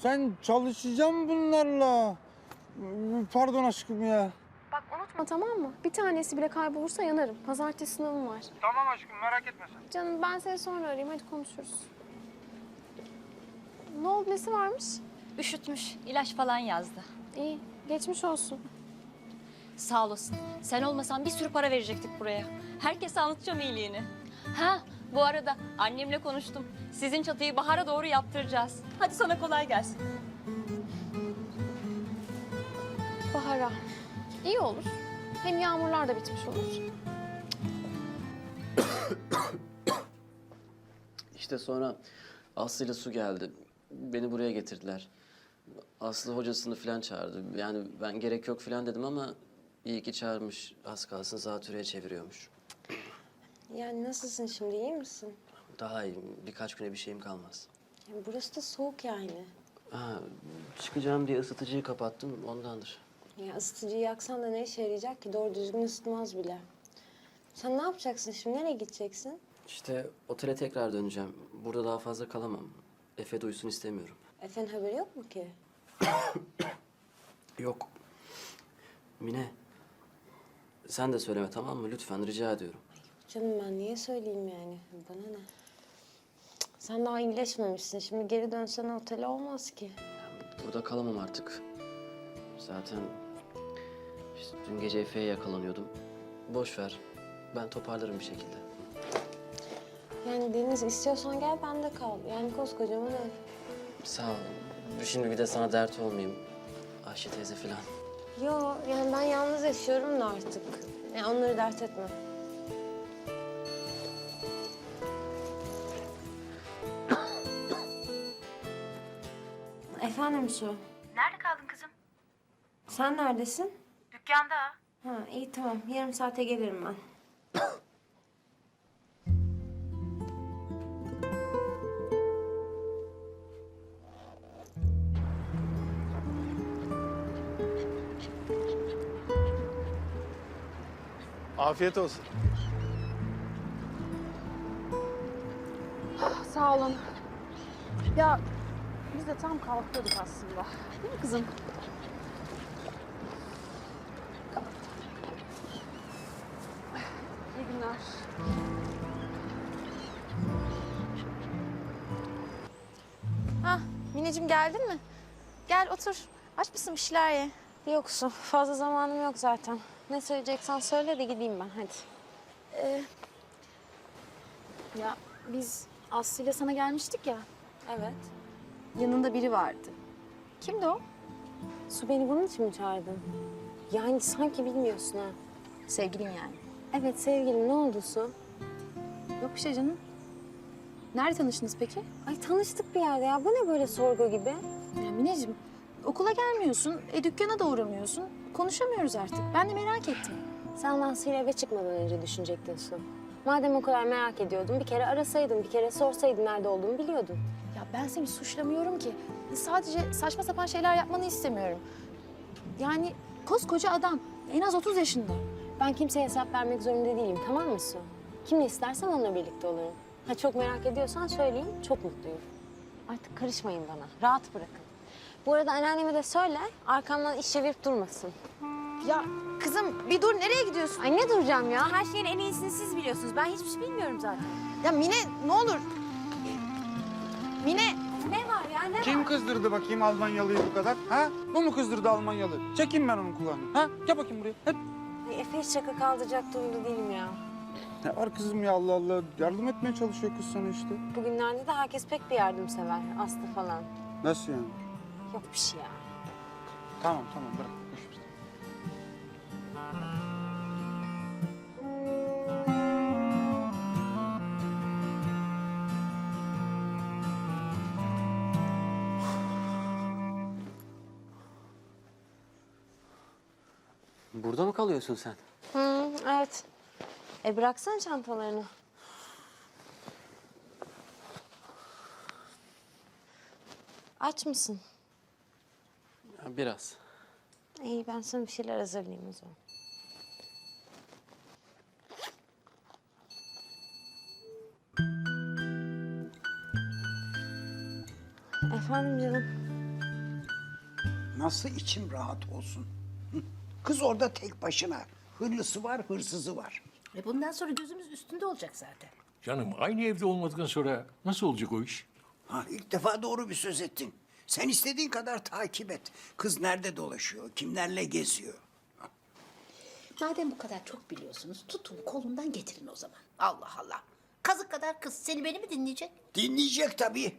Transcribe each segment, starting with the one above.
sen çalışacağım bunlarla. Pardon aşkım ya. Bak unutma tamam mı? Bir tanesi bile kaybolursa yanarım. Pazartesi sınavım var. Tamam aşkım merak etme sen. Canım ben seni sonra arayayım hadi konuşuruz. Ne oldu nesi varmış? Üşütmüş, ilaç falan yazdı. İyi geçmiş olsun. Sağ olasın. Sen olmasan bir sürü para verecektik buraya. Herkese anlatacağım iyiliğini. Ha, bu arada annemle konuştum. Sizin çatıyı bahara doğru yaptıracağız. Hadi sana kolay gelsin. Bahara. İyi olur. Hem yağmurlar da bitmiş olur. İşte sonra Aslı ile Su geldi. Beni buraya getirdiler. Aslı hocasını falan çağırdı. Yani ben gerek yok falan dedim ama iyi ki çağırmış. Az kalsın zatürreye çeviriyormuş. Yani nasılsın şimdi, iyi misin? Daha iyi. Birkaç güne bir şeyim kalmaz. Yani burası da soğuk yani. Ha, çıkacağım diye ısıtıcıyı kapattım. Ondandır. Ya ısıtıcıyı yaksan da ne işe yarayacak ki? Doğru düzgün ısıtmaz bile. Sen ne yapacaksın şimdi? Nereye gideceksin? İşte otele tekrar döneceğim. Burada daha fazla kalamam. Efe duysun istemiyorum. Efe'nin haberi yok mu ki? Yok. Mine. Sen de söyleme tamam mı? Lütfen rica ediyorum. Canım ben niye söyleyeyim yani? Bana ne? Cık, sen daha iyileşmemişsin. Şimdi geri dönsen otele olmaz ki. Burada kalamam artık. Zaten işte dün gece Efe'ye yakalanıyordum. Boş ver. Ben toparlarım bir şekilde. Yani Deniz istiyorsan gel ben de kal. Yani koskocaman ev. Sağ ol. Şimdi bir de sana dert olmayayım. Ayşe teyze falan. Yo yani ben yalnız yaşıyorum da artık. Yani onları dert etme. Efendim Su. Nerede kaldın kızım? Sen neredesin? Dükkanda. Ha iyi tamam. Yarım saate gelirim ben. Afiyet olsun. Sağ olun. Ya biz de tam kalkıyorduk aslında. Değil mi kızım? İyi günler. Hah, Mineciğim geldin mi? Gel otur. Aç mısın bir şeyler ye? Yok Su. Fazla zamanım yok zaten. Ne söyleyeceksen söyle de gideyim ben hadi. Ya biz Aslı ile sana gelmiştik ya. Evet. Yanında biri vardı. Kimdi o? Su beni bunun için mi çağırdın? Yani sanki bilmiyorsun ha. Sevgilin yani. Evet sevgilim ne oldu Su? Yok bir şey canım. Nerede tanıştınız peki? Ay tanıştık bir yerde ya. Bu ne böyle sorgu gibi? Ya Mineciğim okula gelmiyorsun, dükkana da uğramıyorsun. Konuşamıyoruz artık. Ben de merak ettim. Sen Nazlı'yla eve çıkmadan önce düşünecektin Su. Madem o kadar merak ediyordun bir kere arasaydın, bir kere sorsaydın nerede olduğumu biliyordun. Ya ben seni suçlamıyorum ki. Sadece saçma sapan şeyler yapmanı istemiyorum. Yani koskoca adam. En az 30 yaşında. Ben kimseye hesap vermek zorunda değilim tamam mı Su? Kimle istersen onunla birlikte olurum. Ha çok merak ediyorsan söyleyeyim çok mutluyum. Artık karışmayın bana. Rahat bırakın. Bu arada anneanneme de söyle arkamdan iş çevirip durmasın. Ya kızım bir dur nereye gidiyorsun? Ay ne duracağım ya? Her şeyin en iyisini siz biliyorsunuz. Ben hiçbir şey bilmiyorum zaten. Ya Mine ne olur. Mine. Ne var ya ne Kim var? kızdırdı bakayım Almanyalıyı bu kadar? Ha? Bu mu kızdırdı Almanyalı? Çekeyim ben onun kulağını. Ha? Gel bakayım buraya. Hep. Ay, Efe hiç şaka kaldıracak durumda değilim ya. Ne var kızım ya Allah Allah. Yardım etmeye çalışıyor kız sana işte. Bugünlerde de herkes pek bir yardımsever. Aslı falan. Nasıl yani? Yok bir şey ya. Tamam tamam bırak. Boş ver. Burada mı kalıyorsun sen? Evet. Bıraksana çantalarını. Aç mısın? Ya, biraz. İyi ben sana bir şeyler hazırlayayım o zaman. Efendim canım. Nasıl içim rahat olsun? Hı? Kız orada tek başına. Hırlısı var, hırsızı var. Bundan sonra gözümüz üstünde olacak zaten. Canım aynı evde olmadıktan sonra nasıl olacak o iş? Ha, ilk defa doğru bir söz ettin. Sen istediğin kadar takip et. Kız nerede dolaşıyor, kimlerle geziyor? Madem bu kadar çok biliyorsunuz, tutun kolundan getirin o zaman. Allah Allah. Kazık kadar kız seni beni mi dinleyecek? Dinleyecek tabii.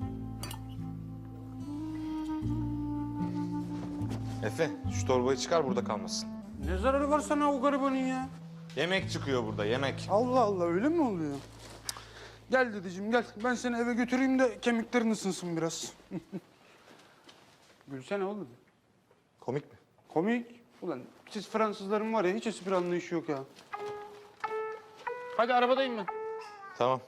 Efe, şu torbayı çıkar burada kalmasın. Ne zararı var sana o garibanın ya? Yemek çıkıyor burada, yemek. Allah Allah, öyle mi oluyor? Gel dedeciğim gel. Ben seni eve götüreyim de kemiklerin ısınsın biraz. Gülsene oğlum. Komik mi? Komik. Ulan siz Fransızların var ya hiç espri anlayışı yok ya. Hadi arabadayım ben. Tamam.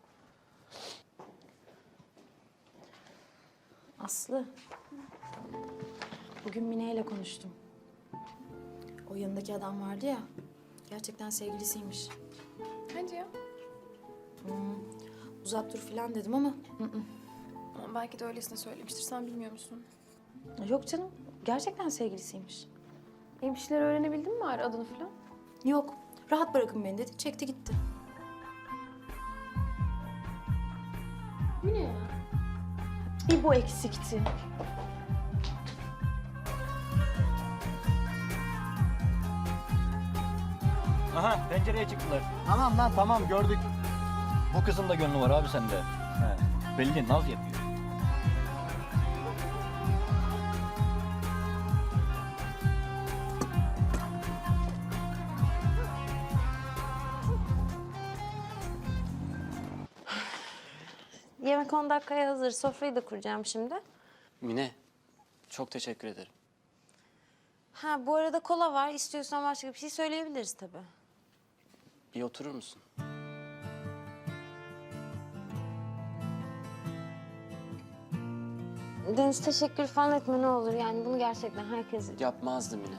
Aslı, bugün Mine ile konuştum. O yanındaki adam vardı ya, gerçekten sevgilisiymiş. Hadi ya. Uzak dur falan dedim ama Ama belki de öylesine söylemiştir. Sen bilmiyor musun? yok canım, gerçekten sevgilisiymiş. Bir şeyler öğrenebildin mi bari adını falan? Yok, rahat bırakın beni dedi, çekti gitti. Bu ne ya? Bir bu eksikti. Aha pencereye çıktılar. Tamam lan tamam gördük. Bu kızın da gönlü var abi sende. He, belli naz yapıyor. Yemek 10 dakikaya hazır. Sofrayı da kuracağım şimdi. Mine, çok teşekkür ederim. Ha bu arada kola var. İstiyorsan başka bir şey söyleyebiliriz tabii. Bir oturur musun? Deniz teşekkür falan etme ne olur. Yani bunu gerçekten herkes... Yapmazdım yine.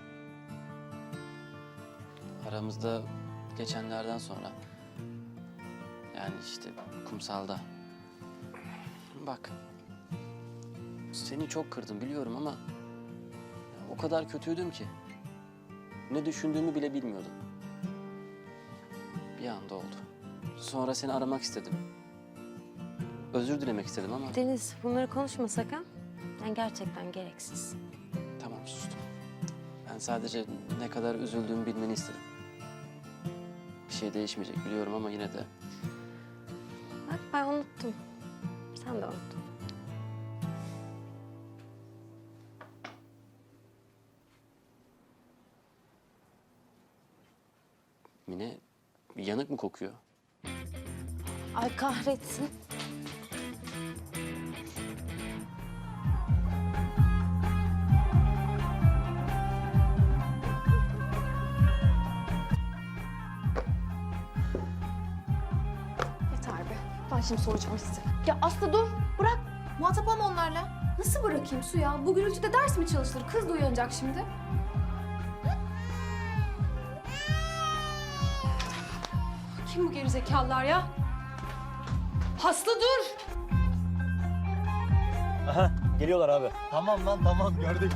Aramızda geçenlerden sonra... Yani işte kumsalda... Bak... Seni çok kırdım biliyorum ama... O kadar kötüydüm ki... Ne düşündüğümü bile bilmiyordum. Bir anda oldu. Sonra seni aramak istedim. Özür dilemek istedim ama... Deniz bunları konuşmasak ha? Yani gerçekten gereksiz. Tamam sustum. Ben sadece ne kadar üzüldüğümü bilmeni istedim. Bir şey değişmeyecek biliyorum ama yine de... Bak ben unuttum. Sen de unuttun. Mine yanık mı kokuyor? Ay kahretsin. Yeter be. Ben şimdi soracağım size. Ya Aslı dur. Bırak. Muhatap olma onlarla. Nasıl bırakayım Su ya? Bu gürültüde ders mi çalışılır? Kız da uyanacak şimdi. Kim bu gerizekalılar ya? Aslı dur. Aha geliyorlar abi. Tamam lan tamam gördük.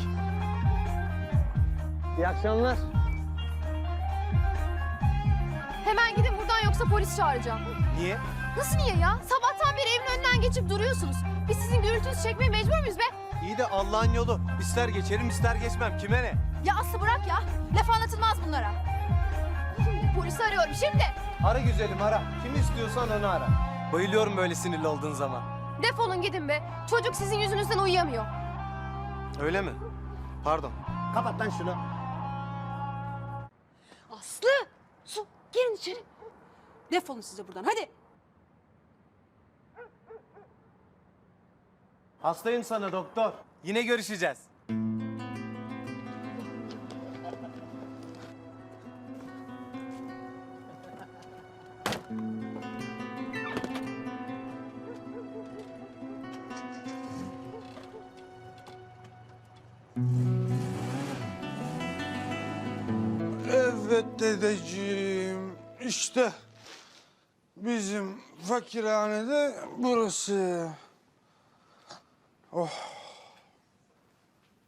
İyi akşamlar. Hemen gidin buradan yoksa polis çağıracağım. Niye? Nasıl niye ya? Sabahtan beri evin önünden geçip duruyorsunuz. Biz sizin gürültünüzü çekmeye mecbur muyuz be? İyi de Allah'ın yolu. İster geçerim ister geçmem. Kime ne? Ya Aslı bırak ya. Laf anlatılmaz bunlara. Şimdi polisi arıyorum şimdi. Ara güzelim ara. Kimi istiyorsan onu ara. Bayılıyorum böyle sinirli olduğun zaman. Defolun gidin be. Çocuk sizin yüzünüzden uyuyamıyor. Öyle mi? Pardon. Kapat lan şunu. Aslı! Su girin içeri. Defolun size buradan hadi. Hastayım sana doktor. Yine görüşeceğiz. Evet dedeciğim. İşte bizim fakirhanede burası. Oh.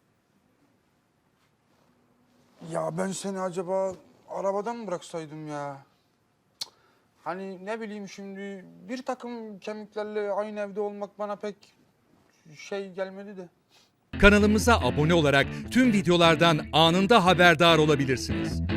Ya ben seni acaba arabadan mı bıraksaydım ya? Cık. Hani ne bileyim şimdi bir takım kemiklerle aynı evde olmak bana pek şey gelmedi de. Kanalımıza abone olarak tüm videolardan anında haberdar olabilirsiniz.